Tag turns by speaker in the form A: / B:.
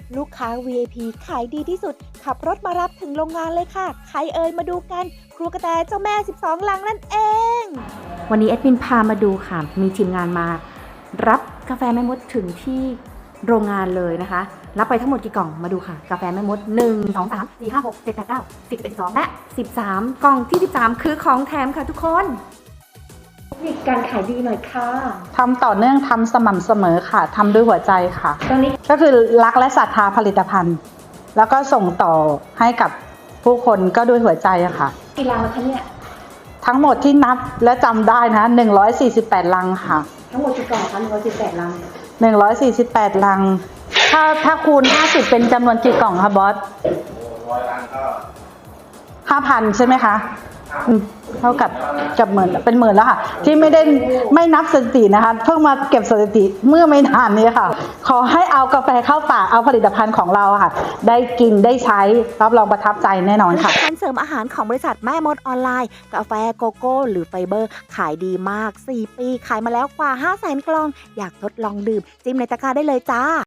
A: ลูกค้า VIP ขายดีที่สุดขับรถมารับถึงโรงงานเลยค่ะใครเอ่ยมาดูกันครัวกระแตเจ้าแม่12ลังนั่นเองวันนี้แอดมินพามาดูค่ะมีทีมงานมารับกาแฟแม่มดถึงที่โรงงานเลยนะคะรับไปทั้งหมดกี่กล่องมาดูค่ะกาแฟแม่มด1 2 3 4 5 6 7 8 9 10 12และ13กล่องที่13คือของแถมค่ะทุกคนเทคนิคการขายดีหน่อยค่ะ
B: ทำต่อเนื่องทำสม่ำเสมอค่ะทำด้วยหัวใจค่ะ
A: ตรงนี้
B: ก็คือรักและศรัทธาผลิตภัณฑ์ แล้วก็ส่งต่อให้กับผู้คนก็ด้วยหัวใจอะค่ะ
A: กี่ลังแล้วคะเนี่ย
B: ทั้งหมดที่นับและจำได้นะ148ลังค่ะ
A: ทั้งหมดกี่กล่องคะ118ลัง
B: 148ลังถ้าคูณ50เป็นจำนวนกี่กล่องคะบอส100ลังก็5,000ใช่ไหมคะเท่ากับหมื่นเป็นหมื่นแล้วค่ะที่ไม่นับสถิตินะคะเพิ่งมาเก็บสถิติเมื่อไม่นานนี้ค่ะขอให้เอากาแฟเข้าปากเอาผลิตภัณฑ์ของเราค่ะได้กินได้ใช้รับรองประทับใจแน่นอนค่ะ
A: ผลิตภัณฑ์เสริมอาหารของบริษัทแม่มดออนไลน์กาแฟโกโก้หรือไฟเบอร์ขายดีมาก4 ปีขายมาแล้วกว่า500,000 กล่องอยากทดลองดื่มจิ้มในตะกร้าได้เลยจ้า